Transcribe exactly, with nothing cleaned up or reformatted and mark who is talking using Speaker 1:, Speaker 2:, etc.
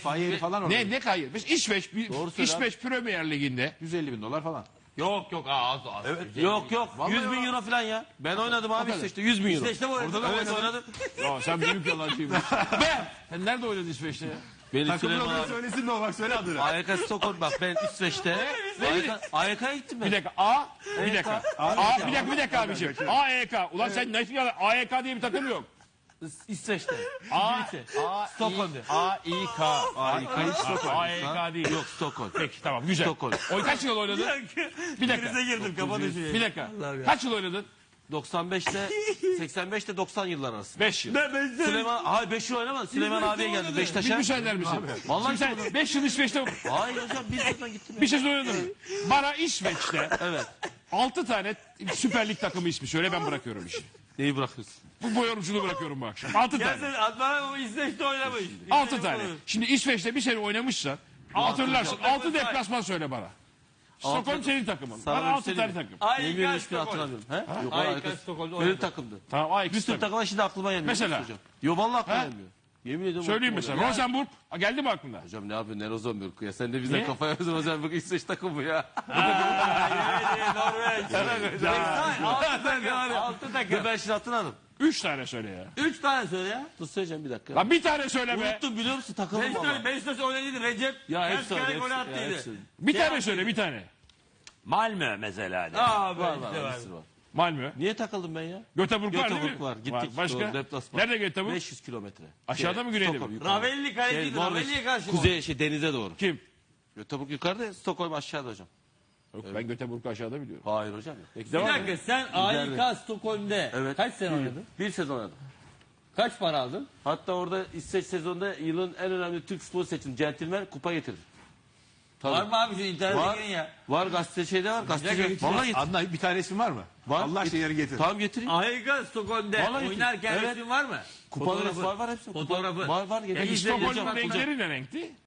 Speaker 1: Fahiyeli falan orada.
Speaker 2: Ne ne kayır? Biz İsveç, bir-
Speaker 3: Doğru söyle
Speaker 2: İsveç Premier Ligi'nde
Speaker 1: yüz elli bin dolar falan.
Speaker 4: Yok yok az az.
Speaker 3: Yok yok yüz bin euro falan ya. Ben oynadım abi İsveç'te yüz bin euro.
Speaker 4: İsveç'te mi oynadın?
Speaker 3: Orada da evet, oynadım.
Speaker 2: ya sen büyük yalancıymışsın. Ben sen nerede oynadın İsveç'te ya?
Speaker 3: Beni
Speaker 1: Takımın
Speaker 3: Süleyman
Speaker 1: adını
Speaker 3: abi.
Speaker 1: söylesin de o bak söyle adını.
Speaker 3: A Y K Stockholm bak ben İsveç'te. A Y K'ya gittim ben.
Speaker 2: Bir dakika A, bir dakika. A, bir dakika bir dakika abiciğim. A E K. Ulan sen nasıl yalan? A E K diye bir takım yok.
Speaker 3: İsveç'te.
Speaker 2: A,
Speaker 3: İngilizce.
Speaker 2: A,
Speaker 3: Stockholm'de.
Speaker 2: A, I, K.
Speaker 3: A Y K Stockholm.
Speaker 2: A E K değil.
Speaker 3: Yok Stockholm.
Speaker 2: Peki tamam güzel.
Speaker 3: Stockholm.
Speaker 2: O kaç yıl oynadın? Bir dakika.
Speaker 4: Krize girdim kafa düşüyor.
Speaker 2: Bir dakika. Kaç yıl oynadın?
Speaker 3: doksan beşte seksen beşte doksan yıllar arası.
Speaker 2: beş yıl.
Speaker 3: Süleyman hayır beş yıl oynamadı. Süleyman abiye geldi
Speaker 2: Bir
Speaker 3: Beşiktaş'a.
Speaker 2: müsaade misin?
Speaker 3: Vallahi
Speaker 2: Şimdi sen beş yıl İsveç'te
Speaker 3: hayır hocam bir yıldan gittim.
Speaker 2: bir şey oynadın mı? Bana İsveç'te
Speaker 3: Evet.
Speaker 2: altı tane Süper Lig takımı ismi söyle ben bırakıyorum işi.
Speaker 3: Neyi bırakıyorsun?
Speaker 2: Bu boy yorumculuğu bırakıyorum bu akşam. altı
Speaker 4: Ya
Speaker 2: tane.
Speaker 4: sen Adnan o İsveç'te oynamış.
Speaker 2: altı tane. Şimdi İsveç'te bir sene oynamışsan hatırlarsın. altı deplasman söyle bana. Stockholm senin takımın.
Speaker 3: Sana
Speaker 2: Bana
Speaker 3: bir
Speaker 2: altı
Speaker 3: şey
Speaker 2: tane
Speaker 3: diyeyim.
Speaker 2: takım.
Speaker 3: Yemin ederim hiçbirini hatırlamıyorum. He? Yok
Speaker 4: A Y K
Speaker 3: A Y K
Speaker 4: Stockholm'da
Speaker 3: Benim
Speaker 4: oynadı.
Speaker 3: takımdı.
Speaker 2: Tamam A
Speaker 3: Bir
Speaker 2: iki
Speaker 3: sürü
Speaker 2: takım.
Speaker 3: takımlar şimdi aklıma gelmiyor.
Speaker 2: Mesela?
Speaker 3: Hocam. Yo vallahi aklıma
Speaker 2: He?
Speaker 3: gelmiyor. Yemin ediyorum.
Speaker 2: Söyleyeyim
Speaker 3: aklıma
Speaker 2: mesela.
Speaker 3: gelmiyor.
Speaker 2: Rosenburg. Ha, geldi mi aklına?
Speaker 3: Hocam ne yapıyorsun? Ne Rosenborg ya? Sen de bize
Speaker 2: Niye?
Speaker 3: kafaya yazın Rosenborg İsveç takımı ya.
Speaker 4: Norveç. Altı takım. Altı
Speaker 3: Dur
Speaker 4: takım.
Speaker 3: ben şimdi hatırladım.
Speaker 2: Üç tane söyle ya.
Speaker 4: Üç tane söyle ya.
Speaker 3: Dur söyleyeceğim bir dakika.
Speaker 2: Lan bir tane söyle be.
Speaker 3: Unuttum biliyor musun takımım
Speaker 4: Beşiktaş,
Speaker 3: ama.
Speaker 4: Beşiktaş oynadıydı Recep.
Speaker 3: Ya
Speaker 4: Kaç
Speaker 3: hepsi
Speaker 4: kere
Speaker 3: öyle.
Speaker 4: gol
Speaker 3: hepsi- ya
Speaker 4: attıydı.
Speaker 3: hepsi.
Speaker 2: Bir
Speaker 4: Şey
Speaker 2: tane
Speaker 4: yaptı.
Speaker 2: söyle bir tane.
Speaker 4: Malmö mesela.
Speaker 3: Var
Speaker 4: Aa
Speaker 3: var
Speaker 4: işte var.
Speaker 3: hepsi var.
Speaker 2: Malmö.
Speaker 3: Niye takıldım ben ya?
Speaker 2: Göteborg var değil mi?
Speaker 3: Göteborg var. Gittik.
Speaker 2: Başka?
Speaker 3: Doğru, deplasman.
Speaker 2: Nerede Göteborg?
Speaker 3: beş yüz kilometre.
Speaker 2: Aşağıda mı, güneyde mi?
Speaker 3: Stockholm yukarıda.
Speaker 4: Ravelli kaleciydi.
Speaker 3: Şey, Norveç,
Speaker 4: Ravelli'ye karşı.
Speaker 3: Kuzey şey denize doğru.
Speaker 2: Kim?
Speaker 3: Göteborg yukarıda, Stockholm aşağıda hocam.
Speaker 2: Yok, ben Göteborg'u aşağıda biliyorum.
Speaker 3: Hayır hocam.
Speaker 2: Peki
Speaker 4: Bir
Speaker 2: devam et.
Speaker 4: dakika sen A Y K Stockholm'de
Speaker 3: Evet.
Speaker 4: kaç sene oynadın?
Speaker 3: Bir sezon oynadım.
Speaker 4: Kaç para aldın?
Speaker 3: Hatta orada İsveç sezonunda yılın en önemli Türk futbolu seçildi. Centilmen kupa getirdi. Tabii.
Speaker 4: Var mı abi şu internete
Speaker 3: Var.
Speaker 4: girin ya?
Speaker 3: Var gazete şeyde var. Gazeteci.
Speaker 4: getir.
Speaker 3: Vallahi getir.
Speaker 1: Adnan bir tane ismin var mı?
Speaker 3: Var.
Speaker 1: Allah aşkına yarın getir.
Speaker 3: Tamam getireyim.
Speaker 4: A Y K Stockholm'de
Speaker 3: Vallahi
Speaker 4: oynarken
Speaker 3: evet.
Speaker 4: resmin var mı?
Speaker 3: Kupaları
Speaker 4: Fotoğrafı.
Speaker 3: var var hepsi. Kupa-
Speaker 4: Fotoğrafı.
Speaker 3: Var var
Speaker 4: Ya
Speaker 3: getireyim.
Speaker 4: İsveç-
Speaker 2: Stockholm'un
Speaker 4: Hocam,
Speaker 2: renkleri ne renkti?